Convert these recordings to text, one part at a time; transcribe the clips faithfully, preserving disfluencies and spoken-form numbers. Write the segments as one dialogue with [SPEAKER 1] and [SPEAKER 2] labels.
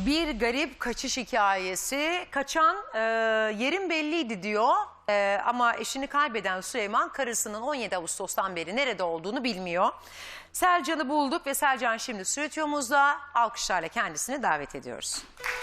[SPEAKER 1] Bir garip kaçış hikayesi. Kaçan e, yerin belliydi diyor. E, ama eşini kaybeden Süleyman karısının on yedi Ağustos'tan beri nerede olduğunu bilmiyor. Selcan'ı bulduk ve Selcan şimdi stüdyomuzda. Alkışlarla kendisini davet ediyoruz.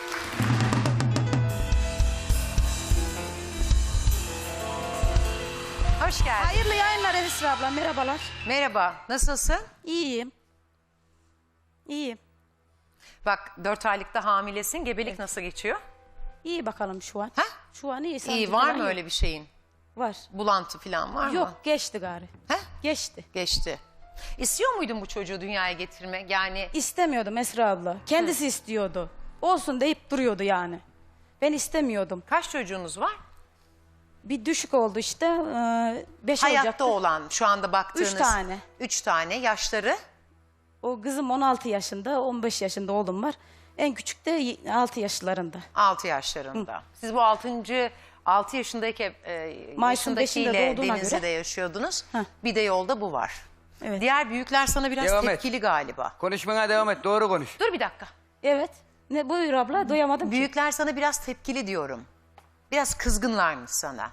[SPEAKER 1] Hoş geldin.
[SPEAKER 2] Hayırlı yayınlar Esra abla, merhabalar.
[SPEAKER 1] Merhaba, nasılsın?
[SPEAKER 2] İyiyim. İyiyim.
[SPEAKER 1] Bak dört aylıkta hamilesin. Gebelik evet. Nasıl geçiyor?
[SPEAKER 2] İyi bakalım şu an.
[SPEAKER 1] Ha?
[SPEAKER 2] Şu an iyi.
[SPEAKER 1] İyi, var mı öyle bir şeyin?
[SPEAKER 2] Var.
[SPEAKER 1] Bulantı falan var mı?
[SPEAKER 2] Yok, geçti gari.
[SPEAKER 1] He?
[SPEAKER 2] Geçti.
[SPEAKER 1] Geçti. İstiyor muydun bu çocuğu dünyaya getirmek? Yani
[SPEAKER 2] İstemiyordum Esra abla. Kendisi Hı. istiyordu. Olsun deyip duruyordu yani. Ben istemiyordum.
[SPEAKER 1] Kaç çocuğunuz var?
[SPEAKER 2] Bir düşük oldu işte. Beş
[SPEAKER 1] Hayatta
[SPEAKER 2] olacaktı.
[SPEAKER 1] olan şu anda baktığınız.
[SPEAKER 2] Üç tane.
[SPEAKER 1] Üç tane. Yaşları?
[SPEAKER 2] O kızım on altı yaşında, on beş yaşında oğlum var. En küçük de altı yaşlarında.
[SPEAKER 1] Altı yaşlarında. Hı. Siz bu altıncı altı yaşındaki e, yaşındakiyle Denizli'de göre... yaşıyordunuz. Heh. Bir de yolda bu var. Evet. Diğer büyükler sana biraz devam tepkili et. Galiba.
[SPEAKER 3] Konuşmana devam et. Doğru konuş.
[SPEAKER 1] Dur bir dakika.
[SPEAKER 2] Evet. Ne buyur abla? Duyamadım
[SPEAKER 1] Büyükler
[SPEAKER 2] ki.
[SPEAKER 1] sana biraz tepkili diyorum. Biraz kızgınlarmış sana.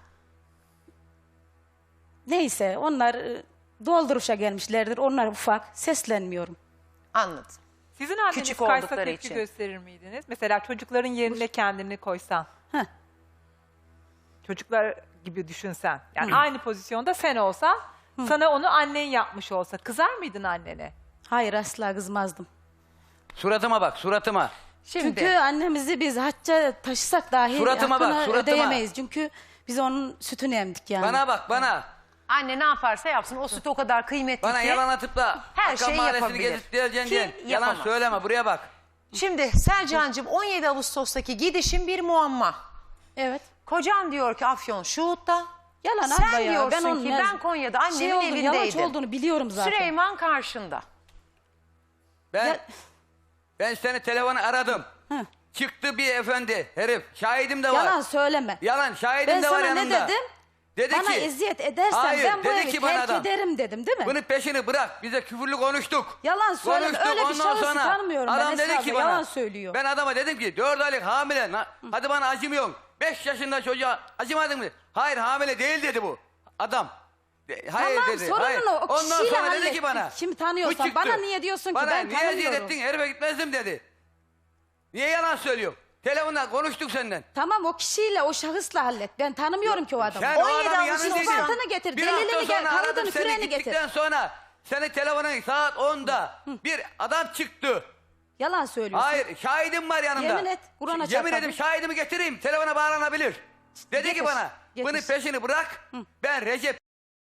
[SPEAKER 2] Neyse onlar dolduruşa gelmişlerdir. Onlar ufak. Seslenmiyorum.
[SPEAKER 1] Anladım.
[SPEAKER 4] Sizin anneniz
[SPEAKER 1] Küçük
[SPEAKER 4] kaysa
[SPEAKER 1] oldukları
[SPEAKER 4] tepki
[SPEAKER 1] için.
[SPEAKER 4] gösterir miydiniz? Mesela çocukların yerine kendini koysan.
[SPEAKER 2] Heh.
[SPEAKER 4] Çocuklar gibi düşünsen. Yani
[SPEAKER 2] Hı.
[SPEAKER 4] aynı pozisyonda sen olsan, Hı. sana onu annen yapmış olsa kızar mıydın annene?
[SPEAKER 2] Hayır, asla kızmazdım.
[SPEAKER 3] Suratıma bak, suratıma.
[SPEAKER 1] Şimdi.
[SPEAKER 2] Çünkü annemizi biz hacca taşısak dahi
[SPEAKER 3] Suratıma bak,
[SPEAKER 2] hakkını
[SPEAKER 3] suratıma.
[SPEAKER 2] ödeyemeyiz. Çünkü biz onun sütünü emdik yani.
[SPEAKER 3] Bana bak, bana.
[SPEAKER 1] Anne ne yaparsa yapsın. O süt o kadar kıymetli
[SPEAKER 3] Bana
[SPEAKER 1] ki.
[SPEAKER 3] yalan atıp da
[SPEAKER 1] her
[SPEAKER 3] Hakan
[SPEAKER 1] şeyi
[SPEAKER 3] Mahallesi'ni
[SPEAKER 1] yapabilir.
[SPEAKER 3] gezip geleceksin
[SPEAKER 1] Ki
[SPEAKER 3] diyen. Yalan
[SPEAKER 1] yapamaz.
[SPEAKER 3] söyleme, buraya bak.
[SPEAKER 1] Şimdi Selcan'cığım on yedi Ağustos'taki gidişin bir muamma.
[SPEAKER 2] Evet.
[SPEAKER 1] Kocan diyor ki Afyon Şuhut'ta.
[SPEAKER 2] Yalan
[SPEAKER 1] Sen
[SPEAKER 2] abla ya.
[SPEAKER 1] diyorsun
[SPEAKER 2] Ben onun
[SPEAKER 1] ki
[SPEAKER 2] ne-
[SPEAKER 1] ben Konya'da annemin
[SPEAKER 2] şey oldu,
[SPEAKER 1] evindeydim.
[SPEAKER 2] Yalancı olduğunu biliyorum zaten.
[SPEAKER 1] Süleyman karşında.
[SPEAKER 3] Ben,
[SPEAKER 2] Ya-
[SPEAKER 3] ben seni telefonu aradım.
[SPEAKER 2] Hı.
[SPEAKER 3] Çıktı bir efendi, herif. Şahidim de var.
[SPEAKER 2] Yalan söyleme.
[SPEAKER 3] Yalan, şahidim
[SPEAKER 2] Ben
[SPEAKER 3] de var
[SPEAKER 2] sana
[SPEAKER 3] yanımda.
[SPEAKER 2] ne dedim?
[SPEAKER 3] Dedi
[SPEAKER 2] Bana
[SPEAKER 3] ki,
[SPEAKER 2] eziyet edersen
[SPEAKER 3] hayır,
[SPEAKER 2] ben bu
[SPEAKER 3] dedi
[SPEAKER 2] evi
[SPEAKER 3] ki bana
[SPEAKER 2] terk
[SPEAKER 3] adam,
[SPEAKER 2] ederim dedim değil mi?
[SPEAKER 3] Bunun peşini bırak. Bize küfürlü konuştuk.
[SPEAKER 2] Yalan söyleme.
[SPEAKER 3] Konuştuk,
[SPEAKER 2] Öyle bir
[SPEAKER 3] ondan
[SPEAKER 2] şahısı
[SPEAKER 3] sonra
[SPEAKER 2] tanımıyorum ben
[SPEAKER 3] adam
[SPEAKER 2] Esra
[SPEAKER 3] dedi ki
[SPEAKER 2] abla,
[SPEAKER 3] bana,
[SPEAKER 2] yalan söylüyor.
[SPEAKER 3] Ben adama dedim ki dört aylık hamile. Na, hadi bana acımıyorsun. Beş yaşında çocuğa acımadın mı? Hayır, hamile değil dedi bu adam. De, hayır
[SPEAKER 2] Tamam,
[SPEAKER 3] dedi.
[SPEAKER 2] sorununu
[SPEAKER 3] hayır.
[SPEAKER 2] o
[SPEAKER 3] Ondan
[SPEAKER 2] kişiyle
[SPEAKER 3] sonra dedi
[SPEAKER 2] hallettik.
[SPEAKER 3] ki bana.
[SPEAKER 2] Kimi tanıyorsan
[SPEAKER 3] bu çıktı.
[SPEAKER 2] bana niye diyorsun ki
[SPEAKER 3] bana,
[SPEAKER 2] ben
[SPEAKER 3] niye eziyet
[SPEAKER 2] tanımıyorum.
[SPEAKER 3] ettin, herife gitmezdim dedi. Niye yalan söylüyor? Telefonla konuştuk senden.
[SPEAKER 2] Tamam, o kişiyle, o şahısla hallet. Ben tanımıyorum ki o adamı.
[SPEAKER 3] Sen o
[SPEAKER 1] on yedi
[SPEAKER 3] adamın
[SPEAKER 1] Ağustos
[SPEAKER 3] yanındaydın.
[SPEAKER 2] ispatını getir,
[SPEAKER 3] Bir
[SPEAKER 2] delilini
[SPEAKER 3] hafta
[SPEAKER 2] gel,
[SPEAKER 3] sonra
[SPEAKER 2] kanıtını,
[SPEAKER 3] aradım seni,
[SPEAKER 2] freni getir.
[SPEAKER 3] gittikten sonra senin telefonun saat onda bir adam çıktı.
[SPEAKER 2] Yalan söylüyorsun.
[SPEAKER 3] Hayır, şahidim var yanımda.
[SPEAKER 2] Yemin et, Kur'an'a
[SPEAKER 3] Yemin
[SPEAKER 2] çarpma.
[SPEAKER 3] edeyim şahidimi getireyim, telefona bağlanabilir. Dedi
[SPEAKER 2] Getir,
[SPEAKER 3] ki bana,
[SPEAKER 2] getir.
[SPEAKER 3] bunun peşini bırak, ben Recep.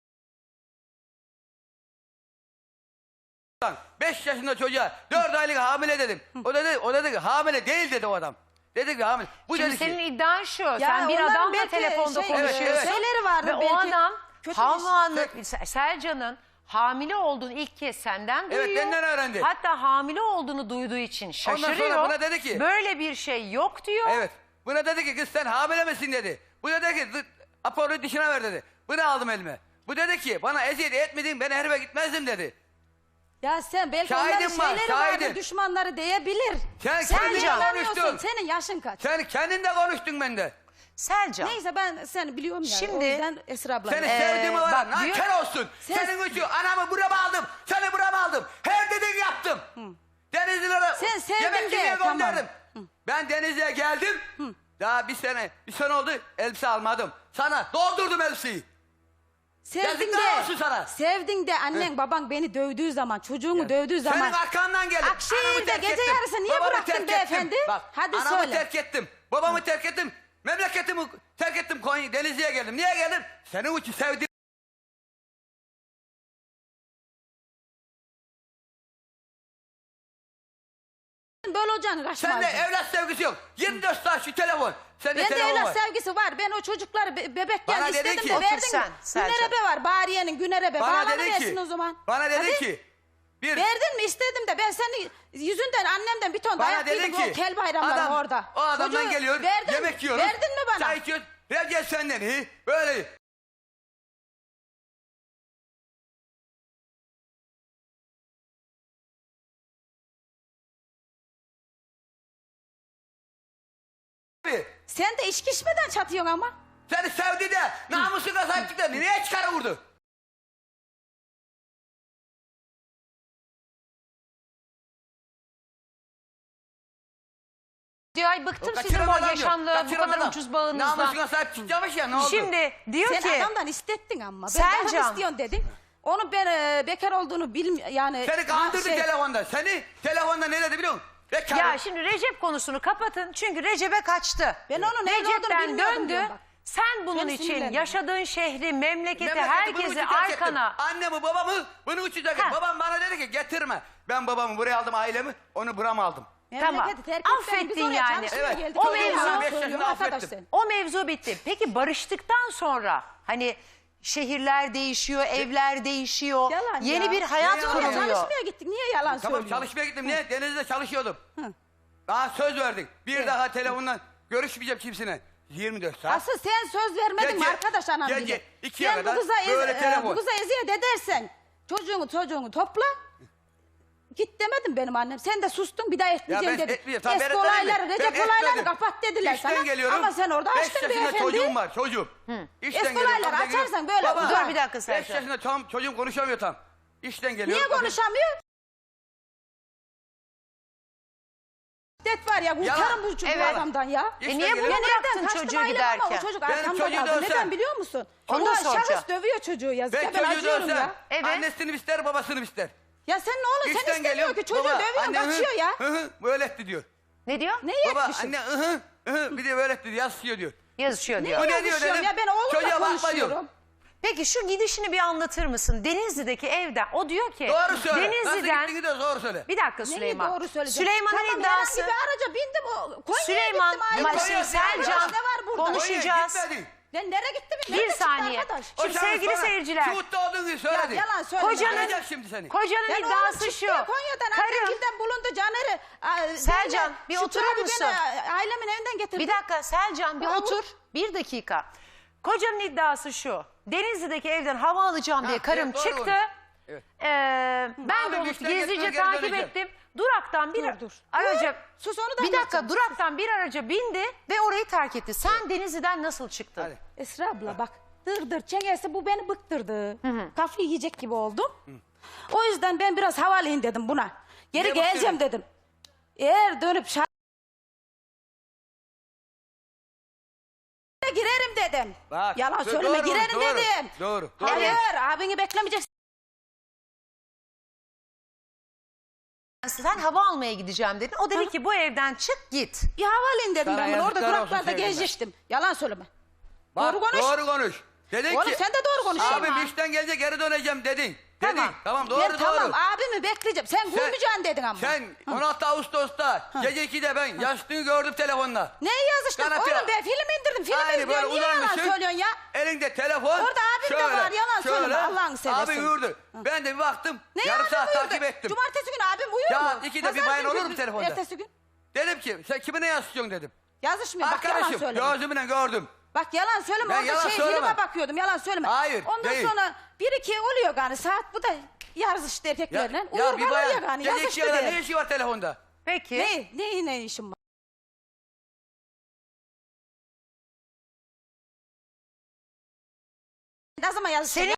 [SPEAKER 3] Beş yaşında çocuğa dört aylık hamile dedim. O dedi, o dedi ki hamile değil dedi o adam. Dedi ki hamile. Bu
[SPEAKER 1] Şimdi
[SPEAKER 3] dedi
[SPEAKER 1] senin
[SPEAKER 3] ki,
[SPEAKER 1] iddian şu.
[SPEAKER 2] Ya
[SPEAKER 1] sen bir
[SPEAKER 2] onların
[SPEAKER 1] adamla
[SPEAKER 2] belki
[SPEAKER 1] telefonda
[SPEAKER 2] şey-
[SPEAKER 1] konuşuyorsun.
[SPEAKER 3] Evet, evet.
[SPEAKER 2] Şeyleri vardır
[SPEAKER 1] Ve o
[SPEAKER 2] belki.
[SPEAKER 1] adam
[SPEAKER 2] Kötü bir
[SPEAKER 1] Havva'nın, Selcan'ın hamile olduğunu ilk kez senden duyuyor.
[SPEAKER 3] Evet, benden öğrendi.
[SPEAKER 1] Hatta hamile olduğunu duyduğu için şaşırıyor.
[SPEAKER 3] Ondan sonra buna dedi ki-
[SPEAKER 1] Böyle bir şey yok diyor.
[SPEAKER 3] evet. Buna dedi ki kız sen hamile misin dedi. Bu dedi ki "Dı- Apo'yu dişine ver dedi. Bunu aldım elime. Bu dedi ki bana eziyet etmedin, ben herife gitmezdim dedi.
[SPEAKER 2] Ya sen belki
[SPEAKER 3] Şahidim
[SPEAKER 2] onların
[SPEAKER 3] var,
[SPEAKER 2] şeyleri
[SPEAKER 3] şahidim.
[SPEAKER 2] vardır, düşmanları diyebilir.
[SPEAKER 3] Sen
[SPEAKER 2] Sen
[SPEAKER 3] kendin
[SPEAKER 2] anlamıyorsun.
[SPEAKER 3] konuştun.
[SPEAKER 2] Senin yaşın kaç?
[SPEAKER 3] Sen kendin de konuştun bende.
[SPEAKER 1] Selcan.
[SPEAKER 2] Neyse ben seni biliyorum ya.
[SPEAKER 1] Şimdi-
[SPEAKER 2] o yüzden Esra abla.
[SPEAKER 3] Seni
[SPEAKER 1] Ee,
[SPEAKER 3] sevdiğimi var.
[SPEAKER 1] bak,
[SPEAKER 3] Nankör
[SPEAKER 1] diyor-
[SPEAKER 3] olsun.
[SPEAKER 2] Sen-
[SPEAKER 3] Senin için anamı burama aldım. Seni burama aldım. Her dediğini yaptım. Denizlilere
[SPEAKER 2] Sen sevdin
[SPEAKER 3] yemek
[SPEAKER 2] diye,
[SPEAKER 3] yemeye
[SPEAKER 2] tamam.
[SPEAKER 3] gönderdim. Ben Denizli'ye geldim. Daha bir sene, bir sene oldu elbise almadım. Sana doldurdum elbiseyi.
[SPEAKER 2] Sevdin
[SPEAKER 3] Yazıklar olsun
[SPEAKER 2] de,
[SPEAKER 3] sana.
[SPEAKER 2] sevdin de annen baban beni dövdüğü zaman, çocuğumu dövdüğü zaman.
[SPEAKER 3] Senin arkandan geldim.
[SPEAKER 2] Akşehir'de
[SPEAKER 3] Anamı terk
[SPEAKER 2] gece
[SPEAKER 3] ettim.
[SPEAKER 2] yarısı niye
[SPEAKER 3] Babamı
[SPEAKER 2] bıraktın
[SPEAKER 3] terk
[SPEAKER 2] beyefendi?
[SPEAKER 3] ettim. Bak,
[SPEAKER 2] Hadi
[SPEAKER 3] anamı
[SPEAKER 2] söyle.
[SPEAKER 3] terk ettim. Babamı terk ettim. Memleketimi terk ettim. Konya, Denizli'ye geldim. Niye geldim? Senin için sevdim.
[SPEAKER 2] Böyle olacağını kaçmazdın.
[SPEAKER 3] Sende evlat sevgisi yok. yirmi dört saat şu telefon. Sende
[SPEAKER 2] Bende
[SPEAKER 3] telefon
[SPEAKER 2] evlat
[SPEAKER 3] var.
[SPEAKER 2] sevgisi var. Ben o çocukları be- bebekken
[SPEAKER 3] Bana dedi
[SPEAKER 2] istedim
[SPEAKER 3] ki-
[SPEAKER 2] de
[SPEAKER 3] Otur
[SPEAKER 2] verdim.
[SPEAKER 1] sen, Selcan.
[SPEAKER 2] Günerebe var. Bariye'nin Günerebe.
[SPEAKER 3] Bana dedi
[SPEAKER 2] Bağlanıversin
[SPEAKER 3] ki,
[SPEAKER 2] o zaman.
[SPEAKER 3] bana dedi
[SPEAKER 2] Hadi.
[SPEAKER 3] ki, bir
[SPEAKER 2] Verdin mi istedim de ben senin yüzünden annemden bir ton
[SPEAKER 3] bana
[SPEAKER 2] dayak
[SPEAKER 3] dedi
[SPEAKER 2] yedim
[SPEAKER 3] ki,
[SPEAKER 2] o kel bayramları
[SPEAKER 3] adam,
[SPEAKER 2] orada.
[SPEAKER 3] o adamdan
[SPEAKER 2] Çocuğu
[SPEAKER 3] geliyor,
[SPEAKER 2] verdin,
[SPEAKER 3] yemek yiyoruz.
[SPEAKER 2] Verdin mi bana?
[SPEAKER 3] Çay içiyoruz. Ver gel senden iyi. Böyle Bir.
[SPEAKER 2] Sen de içki içmeden çatıyorsun ama.
[SPEAKER 3] Seni sevdi de namusuna sahip çıktı. Niye çıkarı vurdu?
[SPEAKER 1] Diyor ay bıktım sizin
[SPEAKER 3] Kaçıran
[SPEAKER 1] bu
[SPEAKER 3] adam diyor.
[SPEAKER 1] yaşamlı bu
[SPEAKER 3] Kaçıran
[SPEAKER 1] kadar
[SPEAKER 3] adam.
[SPEAKER 1] ucuz bağınızdan.
[SPEAKER 3] Namusuna sahip çıkacakmış ya ne oldu?
[SPEAKER 1] Şimdi diyor
[SPEAKER 2] Sen
[SPEAKER 1] ki
[SPEAKER 2] adamdan istettin ama. Ben
[SPEAKER 1] Selcan.
[SPEAKER 2] daha istiyorsun dedin. Onu ben e, bekar olduğunu bilmiyorum. Yani
[SPEAKER 3] Seni kandırdı
[SPEAKER 2] şey-
[SPEAKER 3] telefonda. Seni telefonda ne dedi biliyor musun? Bekar.
[SPEAKER 1] ya şimdi Recep konusunu kapatın çünkü Recep'e kaçtı.
[SPEAKER 2] Ben onun evli olduğunu
[SPEAKER 1] Recep'ten
[SPEAKER 2] bilmiyordum
[SPEAKER 1] döndü.
[SPEAKER 2] diyorum bak.
[SPEAKER 1] Sen bunun
[SPEAKER 2] Beni
[SPEAKER 1] için
[SPEAKER 2] sinirlendirme.
[SPEAKER 1] yaşadığın şehri, memleketi,
[SPEAKER 3] Memleketi bunu
[SPEAKER 1] herkesi
[SPEAKER 3] uçuracaktım.
[SPEAKER 1] arkana.
[SPEAKER 3] Annemi babamı bunu uçuracaktım.
[SPEAKER 1] Ha.
[SPEAKER 3] Babam bana dedi ki getirme. Ben babamı buraya aldım ailemi. Onu buram aldım.
[SPEAKER 1] Tamam.
[SPEAKER 2] Memleketi terk etsen biz
[SPEAKER 1] Affettin
[SPEAKER 2] oraya
[SPEAKER 1] yani.
[SPEAKER 2] çalışmaya
[SPEAKER 3] Evet.
[SPEAKER 2] geldik.
[SPEAKER 1] O
[SPEAKER 2] Öyle
[SPEAKER 1] mevzu-
[SPEAKER 2] yalan
[SPEAKER 3] beş
[SPEAKER 2] söylüyorsun
[SPEAKER 3] yaşında
[SPEAKER 2] arkadaş
[SPEAKER 3] affettim.
[SPEAKER 2] sen.
[SPEAKER 1] O mevzu bitti. Peki barıştıktan sonra hani şehirler değişiyor, evler değişiyor.
[SPEAKER 2] Yalan
[SPEAKER 1] yeni
[SPEAKER 2] ya.
[SPEAKER 1] bir hayat
[SPEAKER 3] Ne yalan
[SPEAKER 2] Oraya
[SPEAKER 3] ya?
[SPEAKER 1] kuruluyor.
[SPEAKER 2] çalışmaya gittik. Niye yalan
[SPEAKER 3] Tamam
[SPEAKER 2] söylüyorsun?
[SPEAKER 3] çalışmaya gittim. Niye? Denizde çalışıyordum. Daha söz verdik. Bir
[SPEAKER 2] Evet.
[SPEAKER 3] daha telefondan görüşmeyeceğim kimsine. yirmi dört saat.
[SPEAKER 2] Asıl sen söz vermedin mi
[SPEAKER 3] Gece-
[SPEAKER 2] arkadaş anam
[SPEAKER 3] gece
[SPEAKER 2] bile.
[SPEAKER 3] ikiye
[SPEAKER 2] Sen
[SPEAKER 3] kadar
[SPEAKER 2] bu kıza, ez,
[SPEAKER 3] böyle
[SPEAKER 2] e,
[SPEAKER 3] telefon.
[SPEAKER 2] bu kıza eziyet edersen çocuğunu çocuğunu topla. Git demedim benim annem. Sen de sustun bir daha etmeyeceğim
[SPEAKER 3] ben
[SPEAKER 2] dedin.
[SPEAKER 3] etmeyeceğim. Tamam, ben
[SPEAKER 2] Eski
[SPEAKER 3] etmedim
[SPEAKER 2] olayları,
[SPEAKER 3] mi?
[SPEAKER 2] Recep
[SPEAKER 3] Ben
[SPEAKER 2] olayları
[SPEAKER 3] etmedim.
[SPEAKER 2] kapat dediler
[SPEAKER 3] İşten
[SPEAKER 2] sana.
[SPEAKER 3] geliyorum.
[SPEAKER 2] Ama sen orada
[SPEAKER 3] Beş
[SPEAKER 2] açtın
[SPEAKER 3] yaşında
[SPEAKER 2] beyefendi.
[SPEAKER 3] çocuğum var çocuğum. İşten
[SPEAKER 2] Eski
[SPEAKER 3] geliyorum,
[SPEAKER 2] olayları
[SPEAKER 3] kapıdan geliyorum.
[SPEAKER 2] açarsan böyle
[SPEAKER 3] Baba,
[SPEAKER 2] uzar.
[SPEAKER 1] Dur bir dakika
[SPEAKER 3] Beş
[SPEAKER 1] Selcan.
[SPEAKER 3] yaşında tam çocuğum konuşamıyor tam. İşten geliyorum.
[SPEAKER 2] Niye
[SPEAKER 3] kapıdan-
[SPEAKER 2] konuşamıyor? Det var ya kurtarın bu çocuğu
[SPEAKER 1] Evet.
[SPEAKER 2] adamdan ya.
[SPEAKER 3] İşten
[SPEAKER 1] E niye bunu
[SPEAKER 3] geliyorum.
[SPEAKER 1] bıraktın
[SPEAKER 2] Kaçtım
[SPEAKER 1] çocuğu
[SPEAKER 2] ailem ama
[SPEAKER 1] giderken?
[SPEAKER 2] o çocuk
[SPEAKER 3] Benim
[SPEAKER 2] arkamda
[SPEAKER 3] çocuğu
[SPEAKER 2] kaldı.
[SPEAKER 3] dövsem-
[SPEAKER 2] Neden biliyor musun?
[SPEAKER 1] Onu
[SPEAKER 2] Ondan
[SPEAKER 1] soracağım.
[SPEAKER 2] şahıs dövüyor çocuğu yazık.
[SPEAKER 3] Ben
[SPEAKER 2] Ya ben
[SPEAKER 3] çocuğu
[SPEAKER 2] acıyorum
[SPEAKER 3] dövsem
[SPEAKER 2] ya.
[SPEAKER 1] Evet.
[SPEAKER 3] annesini ister babasını ister.
[SPEAKER 2] Ya sen ne olur sen
[SPEAKER 3] İşten
[SPEAKER 2] istemiyor
[SPEAKER 3] geliyorum.
[SPEAKER 2] ki çocuğu
[SPEAKER 3] baba,
[SPEAKER 2] dövüyor
[SPEAKER 3] anne, hı,
[SPEAKER 2] kaçıyor ya.
[SPEAKER 3] Hı hı böyle etti diyor.
[SPEAKER 1] Ne diyor?
[SPEAKER 2] Ne
[SPEAKER 3] Baba
[SPEAKER 2] yetmişim?
[SPEAKER 3] anne hı hı hı bir de böyle etti diyor. Yazışıyor diyor.
[SPEAKER 1] Yazışıyor
[SPEAKER 2] Ne
[SPEAKER 1] diyor.
[SPEAKER 3] Bu ne diyor
[SPEAKER 2] yazışıyorum
[SPEAKER 3] dedim.
[SPEAKER 2] ya ben oğlumla
[SPEAKER 3] Çocuğa bakma diyor.
[SPEAKER 2] konuşuyorum.
[SPEAKER 1] Peki şu gidişini bir anlatır mısın? Denizli'deki evden. O diyor ki
[SPEAKER 3] Doğru söyle.
[SPEAKER 1] Denizli'den...
[SPEAKER 3] Nasıl gittiğini de doğru söyle.
[SPEAKER 1] Bir dakika
[SPEAKER 2] Neyi
[SPEAKER 1] Süleyman.
[SPEAKER 2] doğru söyleyeceğim?
[SPEAKER 1] Süleyman'ın
[SPEAKER 2] Tamam,
[SPEAKER 1] iddiası...
[SPEAKER 2] herhangi bir araca bindim o Konya'ya
[SPEAKER 1] Süleyman,
[SPEAKER 2] gittim. ayrı.
[SPEAKER 1] bak
[SPEAKER 3] Yok,
[SPEAKER 1] şimdi
[SPEAKER 3] Konya,
[SPEAKER 1] Selcan
[SPEAKER 2] ne var burada?
[SPEAKER 1] konuş- konuşacağız.
[SPEAKER 3] Konya'ya gitmedin.
[SPEAKER 2] Ben nereye gittim?
[SPEAKER 1] Bir
[SPEAKER 2] Nerede çıktı
[SPEAKER 1] saniye.
[SPEAKER 2] arkadaş?
[SPEAKER 3] O
[SPEAKER 1] Şimdi
[SPEAKER 3] sana
[SPEAKER 1] sevgili
[SPEAKER 3] sonra
[SPEAKER 1] seyirciler.
[SPEAKER 3] Şuhut'ta olduğun gibi söyledi.
[SPEAKER 2] Ya, yalan söyleme.
[SPEAKER 1] Kocanın,
[SPEAKER 3] Arayacak şimdi seni.
[SPEAKER 1] kocanın
[SPEAKER 2] Ben oğlum
[SPEAKER 1] iddiası
[SPEAKER 2] çıktı
[SPEAKER 1] şu.
[SPEAKER 2] Konya'dan
[SPEAKER 1] Karım,
[SPEAKER 2] annemgilden bulundu Caner'i. a,
[SPEAKER 1] Selcan,
[SPEAKER 2] benle-
[SPEAKER 1] bir
[SPEAKER 2] Şükrü
[SPEAKER 1] oturur
[SPEAKER 2] abi
[SPEAKER 1] musun?
[SPEAKER 2] beni ailemin evinden getirdi.
[SPEAKER 1] bir dakika Selcan bir
[SPEAKER 2] Bravo.
[SPEAKER 1] otur. Bir dakika. Kocanın iddiası şu. Denizli'deki evden hava alacağım diye
[SPEAKER 3] Ha,
[SPEAKER 1] karım
[SPEAKER 3] evet, doğru
[SPEAKER 1] çıktı.
[SPEAKER 3] konuş. Evet.
[SPEAKER 1] Ee, ben
[SPEAKER 3] Abi
[SPEAKER 1] de onu
[SPEAKER 3] güçten
[SPEAKER 1] gizlice
[SPEAKER 3] geçmez, geri
[SPEAKER 1] takip
[SPEAKER 3] döneceğim.
[SPEAKER 1] ettim. Duraktan bir
[SPEAKER 2] Dur, dur.
[SPEAKER 1] araca...
[SPEAKER 2] Sus, onu da
[SPEAKER 1] Bir dakika
[SPEAKER 2] anlatacağım.
[SPEAKER 1] duraktan bir araca bindi ve orayı terk etti. Sen Denizli'den nasıl çıktın?
[SPEAKER 3] Hadi.
[SPEAKER 2] Esra abla bak dır dır çengesi bu beni bıktırdı. Kafayı yiyecek gibi oldum. O yüzden ben biraz havalıyım dedim buna. Geri
[SPEAKER 3] Niye
[SPEAKER 2] geleceğim
[SPEAKER 3] bakıyorsun?
[SPEAKER 2] dedim. Eğer dönüp şa- girerim dedim.
[SPEAKER 3] Bak,
[SPEAKER 2] Yalan
[SPEAKER 3] do-
[SPEAKER 2] söyleme
[SPEAKER 3] doğru,
[SPEAKER 2] girerim
[SPEAKER 3] doğru,
[SPEAKER 2] dedim.
[SPEAKER 3] doğru, doğru.
[SPEAKER 2] Hayır abini beklemeyeceksin.
[SPEAKER 1] Sen hava almaya gideceğim dedin. O dedi ki bu evden çık git.
[SPEAKER 2] Bir havalıyım dedim
[SPEAKER 3] Sana
[SPEAKER 2] ben bunu. Orada
[SPEAKER 3] yazıklar olsun
[SPEAKER 2] duraklarda
[SPEAKER 3] sevgilim ben.
[SPEAKER 2] gezecektim. Yalan söyleme.
[SPEAKER 3] Bak,
[SPEAKER 2] Doğru konuş.
[SPEAKER 3] Doğru konuş. Dedin
[SPEAKER 2] Oğlum
[SPEAKER 3] ki,
[SPEAKER 2] sen de doğru konuş.
[SPEAKER 3] Abi
[SPEAKER 2] Şeyma.
[SPEAKER 3] işten gelince geri döneceğim dedin. Dedin.
[SPEAKER 1] Tamam.
[SPEAKER 3] Tamam doğru
[SPEAKER 2] Ben
[SPEAKER 3] doğru.
[SPEAKER 2] tamam abimi bekleyeceğim. Sen,
[SPEAKER 3] Sen-
[SPEAKER 2] vurmayacaksın dedin ama.
[SPEAKER 3] Sen on altı Ağustos'ta gece ikide ben yaşlığını gördüm telefonda.
[SPEAKER 2] Ne yazıştın?
[SPEAKER 3] Kanatı-
[SPEAKER 2] Oğlum ben film indirdim. Film
[SPEAKER 3] Aynı
[SPEAKER 2] izliyorum.
[SPEAKER 3] böyle
[SPEAKER 2] Niye yalan
[SPEAKER 3] uzanmışsın.
[SPEAKER 2] söylüyorsun ya?
[SPEAKER 3] Elinde telefon.
[SPEAKER 2] Orada abim de var, yalan söyleme, Allah'ını seversen.
[SPEAKER 3] Abi uyurdu. Ben de bir baktım.
[SPEAKER 2] Ne
[SPEAKER 3] yarım
[SPEAKER 2] abim
[SPEAKER 3] saat
[SPEAKER 2] uyuyordu?
[SPEAKER 3] takip ettim.
[SPEAKER 2] Cumartesi günü abim uyuyor
[SPEAKER 3] Ya
[SPEAKER 2] mu?
[SPEAKER 3] ikide bir
[SPEAKER 2] Pazar
[SPEAKER 3] bayan
[SPEAKER 2] günü
[SPEAKER 3] olur mu
[SPEAKER 2] bir-
[SPEAKER 3] telefonda?
[SPEAKER 2] Ertesi gün.
[SPEAKER 3] Dedim ki sen kimine yazışıyorsun dedim.
[SPEAKER 2] Yazışmıyor. Bak yalan
[SPEAKER 3] Arkadaşım
[SPEAKER 2] söyleme.
[SPEAKER 3] gözümle gördüm.
[SPEAKER 2] Bak yalan söyleme.
[SPEAKER 3] Ben
[SPEAKER 2] Orada
[SPEAKER 3] yalan
[SPEAKER 2] şey
[SPEAKER 3] söyleme.
[SPEAKER 2] filme bakıyordum. Yalan söyleme.
[SPEAKER 3] Hayır,
[SPEAKER 2] Ondan
[SPEAKER 3] değil.
[SPEAKER 2] sonra bir iki oluyor gani saat. Bu da yazıştı
[SPEAKER 3] Ya,
[SPEAKER 2] erkeklerle.
[SPEAKER 3] ya
[SPEAKER 2] Uyur
[SPEAKER 3] bir
[SPEAKER 2] kalır ya
[SPEAKER 3] bayan
[SPEAKER 2] gani.
[SPEAKER 3] gece iki
[SPEAKER 2] Yazıştı
[SPEAKER 3] yarıda
[SPEAKER 2] diye.
[SPEAKER 3] ne işi var telefonda?
[SPEAKER 1] Peki.
[SPEAKER 2] Ne? Ne, ne işim var? Ne zaman yazıştı?
[SPEAKER 1] Senin-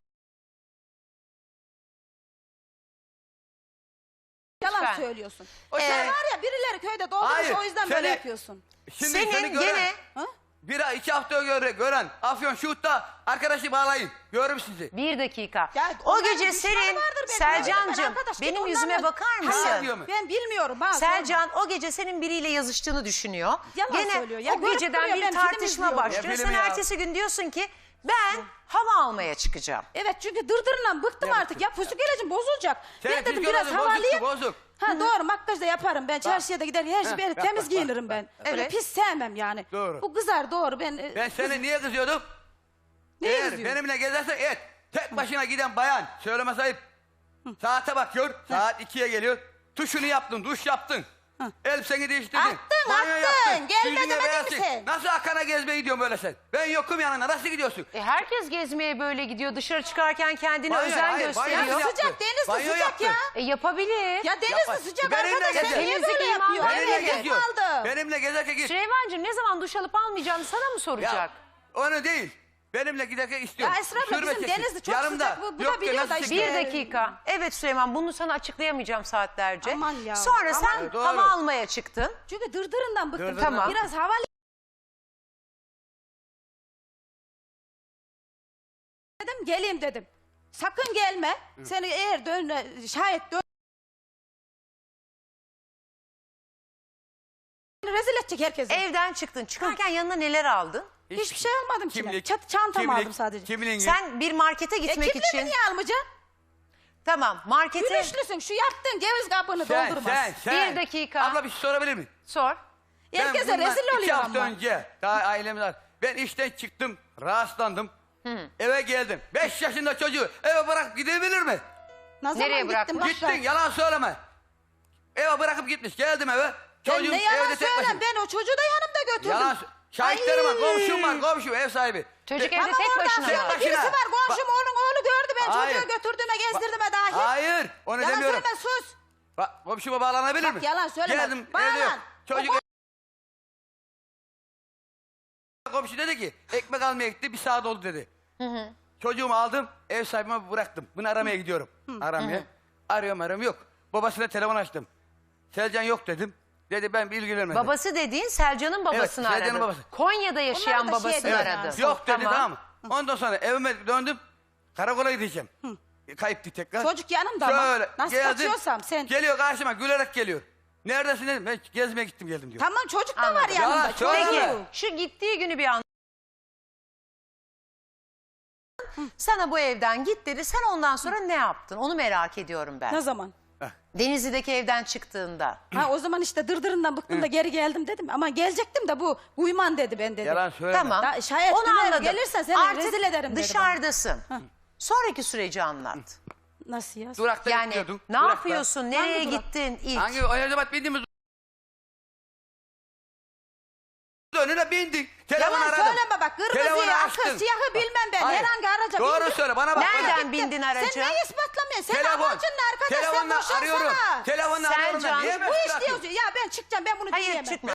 [SPEAKER 2] Yalan
[SPEAKER 1] Lütfen.
[SPEAKER 2] söylüyorsun.
[SPEAKER 3] O
[SPEAKER 2] Sen
[SPEAKER 3] sen-
[SPEAKER 2] var ya birileri köyde doldurmuş
[SPEAKER 3] Hayır,
[SPEAKER 2] o yüzden böyle
[SPEAKER 3] seni-
[SPEAKER 2] yapıyorsun.
[SPEAKER 3] Şimdi
[SPEAKER 1] Senin
[SPEAKER 3] seni gören,
[SPEAKER 1] gene
[SPEAKER 2] Ha?
[SPEAKER 3] bir ay iki hafta göre, gören Afyon Şuhut'ta arkadaşı bağlayın. Görürüm sizi.
[SPEAKER 1] Bir dakika.
[SPEAKER 2] Ya
[SPEAKER 1] o
[SPEAKER 2] onların
[SPEAKER 1] gece
[SPEAKER 2] düşmanı
[SPEAKER 1] senin
[SPEAKER 2] vardır belki.
[SPEAKER 1] Selcancığım
[SPEAKER 2] Arkadaş, git
[SPEAKER 1] benim
[SPEAKER 2] onlarla-
[SPEAKER 1] yüzüme bakar
[SPEAKER 3] Hayır
[SPEAKER 1] mısın?
[SPEAKER 3] diyor mu?
[SPEAKER 2] Ben bilmiyorum. Ha,
[SPEAKER 1] Selcan o gece senin biriyle yazıştığını düşünüyor.
[SPEAKER 2] Yalan
[SPEAKER 1] Gene
[SPEAKER 2] söylüyor. Ya
[SPEAKER 1] o
[SPEAKER 2] görüp
[SPEAKER 1] geceden
[SPEAKER 2] duruyor,
[SPEAKER 1] bir
[SPEAKER 2] ben film
[SPEAKER 1] tartışma
[SPEAKER 2] izliyorum.
[SPEAKER 1] başlıyor.
[SPEAKER 3] Ne
[SPEAKER 1] Sen
[SPEAKER 3] filmi ya?
[SPEAKER 1] ertesi gün diyorsun ki ben hava almaya çıkacağım.
[SPEAKER 2] Evet çünkü dırdırla bıktım
[SPEAKER 3] Ya
[SPEAKER 2] artık. Ya pusu geleceğim bozulacak.
[SPEAKER 3] Sen
[SPEAKER 2] ben dedim
[SPEAKER 3] psikolojin
[SPEAKER 2] biraz
[SPEAKER 3] bozuktu,
[SPEAKER 2] havalıyım.
[SPEAKER 3] bozuk.
[SPEAKER 2] Ha doğru makyaj da yaparım ben. Çarşıya da gider her şey ben
[SPEAKER 3] bak,
[SPEAKER 2] temiz
[SPEAKER 3] bak,
[SPEAKER 2] giyinirim
[SPEAKER 3] bak,
[SPEAKER 2] ben.
[SPEAKER 3] bak.
[SPEAKER 2] Öyle
[SPEAKER 1] Evet.
[SPEAKER 2] pis sevmem yani.
[SPEAKER 3] Doğru.
[SPEAKER 2] Bu kızar doğru ben. e,
[SPEAKER 3] Ben seni niye kızıyordum?
[SPEAKER 2] Neye
[SPEAKER 3] Eğer
[SPEAKER 2] kızıyorsun?
[SPEAKER 3] benimle gezersen et. Tek başına giden bayan. Söyleme sahip. Saate bakıyor. Saat ikiye geliyor. Tuşunu yaptın, duş yaptın. Elbiseni değiştirdin.
[SPEAKER 2] Attın,
[SPEAKER 3] banyo
[SPEAKER 2] attın.
[SPEAKER 3] yaptın,
[SPEAKER 2] Gelme
[SPEAKER 3] yüzüne
[SPEAKER 2] demedin
[SPEAKER 3] beyaz
[SPEAKER 2] mi
[SPEAKER 3] sil.
[SPEAKER 2] sen?
[SPEAKER 3] Nasıl Hakan'a gezmeye gidiyorsun böyle sen? Ben yokum yanında, nasıl gidiyorsun?
[SPEAKER 1] E, herkes gezmeye böyle gidiyor. Dışarı çıkarken kendine
[SPEAKER 3] Banyo-
[SPEAKER 1] özen
[SPEAKER 3] hayır, banyo
[SPEAKER 1] gösteriyor.
[SPEAKER 3] yaptı.
[SPEAKER 2] Sıcak, deniz de
[SPEAKER 3] Banyo
[SPEAKER 2] sıcak
[SPEAKER 3] yaptı.
[SPEAKER 2] ya.
[SPEAKER 1] E, yapabilir.
[SPEAKER 2] Ya deniz
[SPEAKER 3] Yapma.
[SPEAKER 2] de sıcak
[SPEAKER 3] Benimle
[SPEAKER 2] arkadaş.
[SPEAKER 3] gezer.
[SPEAKER 2] Sen niye
[SPEAKER 1] Temizlik
[SPEAKER 2] böyle
[SPEAKER 1] iman
[SPEAKER 2] yapıyorsun?
[SPEAKER 1] var.
[SPEAKER 3] Benimle
[SPEAKER 2] Evet,
[SPEAKER 3] geziyor.
[SPEAKER 2] aldım.
[SPEAKER 3] Benimle gezerken git.
[SPEAKER 1] Süleyman'cığım ne zaman duş alıp almayacağını sana mı soracak?
[SPEAKER 3] Ya, onu değil. Benimle giderken istiyorum.
[SPEAKER 2] Ya Esra abla,
[SPEAKER 3] Sürme
[SPEAKER 2] bizim
[SPEAKER 3] çeksin.
[SPEAKER 2] deniz de çok
[SPEAKER 3] Yanımda.
[SPEAKER 2] sıcak, bu- bu da
[SPEAKER 3] Yok ki,
[SPEAKER 2] biliyor
[SPEAKER 3] nasıl
[SPEAKER 2] da işte.
[SPEAKER 3] çeksin?
[SPEAKER 1] Bir dakika. Evet Süleyman, bunu sana açıklayamayacağım saatlerce.
[SPEAKER 2] Aman ya.
[SPEAKER 1] Sonra sen
[SPEAKER 3] Aman. Doğru.
[SPEAKER 1] hava almaya çıktın.
[SPEAKER 2] Çünkü dırdırından bıktım.
[SPEAKER 3] Dırdırından.
[SPEAKER 1] Tamam.
[SPEAKER 2] Biraz hava dedim, geleyim dedim. Sakın gelme. Seni eğer dön, şayet dön rezil edecek herkesi.
[SPEAKER 1] Evden çıktın. Çıkarken yanına neler aldın?
[SPEAKER 2] Hiçbir şey almadım ki.
[SPEAKER 3] Kimlik,
[SPEAKER 2] Çat, çantamı
[SPEAKER 3] kimlik,
[SPEAKER 2] aldım sadece.
[SPEAKER 3] Kimliğin.
[SPEAKER 1] Sen bir markete
[SPEAKER 2] E
[SPEAKER 1] gitmek
[SPEAKER 2] kimliğimi
[SPEAKER 1] için...
[SPEAKER 2] niye almayacaksın?
[SPEAKER 1] Tamam, markete...
[SPEAKER 2] Gülüşlüsün, şu yaptığın ceviz kabını
[SPEAKER 3] sen,
[SPEAKER 2] doldurmaz.
[SPEAKER 3] sen, sen.
[SPEAKER 1] Bir dakika.
[SPEAKER 3] Abla bir şey sorabilir miyim?
[SPEAKER 1] Sor.
[SPEAKER 2] Herkese
[SPEAKER 3] Ben bundan
[SPEAKER 2] rezil
[SPEAKER 3] iki
[SPEAKER 2] oluyor
[SPEAKER 3] hafta
[SPEAKER 2] ama.
[SPEAKER 3] önce daha ailemiz var. Ben işten çıktım, rahatsızlandım. Eve geldim. Beş yaşında çocuğu eve bırakıp gidebilir mi?
[SPEAKER 2] Ne zaman
[SPEAKER 1] Nereye
[SPEAKER 2] gittin
[SPEAKER 1] bıraktın?
[SPEAKER 2] başka?
[SPEAKER 3] Gittin, yalan söyleme. Eve bırakıp gitmiş. Geldim eve.
[SPEAKER 2] Ben
[SPEAKER 3] Çocuğum
[SPEAKER 2] ne yalan
[SPEAKER 3] evde tek
[SPEAKER 2] söyleyeyim,
[SPEAKER 3] başına.
[SPEAKER 2] ben o çocuğu da yanımda götürdüm.
[SPEAKER 3] Yalan sö- Şahitlerim var,
[SPEAKER 2] Ay.
[SPEAKER 3] komşum var, komşum, ev sahibi.
[SPEAKER 1] Çocuk
[SPEAKER 3] Ve-
[SPEAKER 1] evde
[SPEAKER 2] Tamam,
[SPEAKER 1] tek
[SPEAKER 2] orada
[SPEAKER 1] başına
[SPEAKER 3] Tek
[SPEAKER 1] var.
[SPEAKER 2] şimdi birisi
[SPEAKER 3] başına.
[SPEAKER 2] var, komşum oğlun oğlu gördü ben
[SPEAKER 3] Hayır.
[SPEAKER 2] çocuğu götürdüğüme gezdirdiğime dahi.
[SPEAKER 3] Hayır, onu
[SPEAKER 2] Yalan
[SPEAKER 3] demiyorum.
[SPEAKER 2] söyleme, sus.
[SPEAKER 3] Bak, komşuma bağlanabilir
[SPEAKER 2] Bak,
[SPEAKER 3] mi?
[SPEAKER 2] yalan söyleme.
[SPEAKER 3] Geldim,
[SPEAKER 2] Bağlan.
[SPEAKER 3] evde yok. Çocuk...
[SPEAKER 2] O
[SPEAKER 3] Komşu dedi ki, ekmek almaya gitti, bir saat oldu dedi. Çocuğumu aldım, ev sahibime bıraktım. Bunu aramaya gidiyorum. Aramaya. Arıyorum, arıyorum, yok. Babasına telefon açtım. Selcan yok dedim. Dedi ben bir ilgilenmedim.
[SPEAKER 1] Babası dediğin Selcan'ın babasını
[SPEAKER 3] Evet, Selcan'ın
[SPEAKER 1] aradı.
[SPEAKER 3] babası.
[SPEAKER 1] Konya'da yaşayan
[SPEAKER 2] Onlar da şey
[SPEAKER 1] babasını
[SPEAKER 2] diyor
[SPEAKER 1] aradı.
[SPEAKER 2] ya.
[SPEAKER 3] Yok dedi, tamam mı? Ondan sonra evime döndüm. Karakola gideceğim. Kayıp bir tekrar.
[SPEAKER 2] Çocuk yanımda ama.
[SPEAKER 3] Şöyle
[SPEAKER 2] Nasıl
[SPEAKER 3] geldim.
[SPEAKER 2] kaçıyorsam sen.
[SPEAKER 3] Geliyor karşıma gülerek geliyor. Neredesin dedim. Ben gezmeye gittim geldim diyor.
[SPEAKER 2] Tamam, çocuk da var
[SPEAKER 1] Anladım.
[SPEAKER 2] yanımda.
[SPEAKER 3] Yalan söyleme.
[SPEAKER 2] Çocuğu.
[SPEAKER 1] Peki şu gittiği günü bir an. Sana bu evden git dedi. Sen ondan sonra ne yaptın? Onu merak ediyorum ben.
[SPEAKER 2] Ne zaman?
[SPEAKER 1] Denizli'deki evden çıktığında.
[SPEAKER 2] Ha, o zaman işte dırdırından bıktım da geri geldim dedim. Ama gelecektim de bu uyman dedi ben dedi.
[SPEAKER 3] Yalan söyleme.
[SPEAKER 1] Tamam.
[SPEAKER 2] Ya şayet
[SPEAKER 1] Onu
[SPEAKER 2] döner
[SPEAKER 1] anladım.
[SPEAKER 2] gelirsen seni
[SPEAKER 1] Artık
[SPEAKER 2] rezil ederim dedi
[SPEAKER 1] dışarıdasın. Sonraki süreci anlat.
[SPEAKER 2] bana. Nasıl ya?
[SPEAKER 3] Durakta
[SPEAKER 1] Yani
[SPEAKER 3] bekliyordum.
[SPEAKER 1] ne
[SPEAKER 3] Durakta.
[SPEAKER 1] yapıyorsun? Nereye
[SPEAKER 2] Hangi durak?
[SPEAKER 1] gittin ilk?
[SPEAKER 3] Hangi o Elizabeth bindiğimiz önüne bindik. Telefon
[SPEAKER 2] Yalan
[SPEAKER 3] aradım.
[SPEAKER 2] söyleme bak.
[SPEAKER 3] Telefonu
[SPEAKER 2] Kırmızıyı,
[SPEAKER 3] açtın.
[SPEAKER 2] akıl, siyahı bilmem ben.
[SPEAKER 3] Hayır.
[SPEAKER 2] Herhangi araca
[SPEAKER 3] Doğru
[SPEAKER 2] bindim.
[SPEAKER 3] söyle bana bak.
[SPEAKER 1] Nereden
[SPEAKER 3] bana.
[SPEAKER 1] bindin aracı?
[SPEAKER 2] Sen neyi ispatlamıyorsun? Sen
[SPEAKER 3] Telefon.
[SPEAKER 2] amacın ne arkadaş? Sen
[SPEAKER 3] Telefonla
[SPEAKER 2] boşansana.
[SPEAKER 3] arıyorum. Telefonla arıyorum.
[SPEAKER 1] Selcan,
[SPEAKER 3] ben. Niye
[SPEAKER 2] Bu
[SPEAKER 3] meşgul
[SPEAKER 2] iş
[SPEAKER 3] atıyorsun?
[SPEAKER 2] diyorsun. Ya ben çıkacağım, ben bunu
[SPEAKER 1] Hayır
[SPEAKER 2] diyemem.
[SPEAKER 1] çıkma.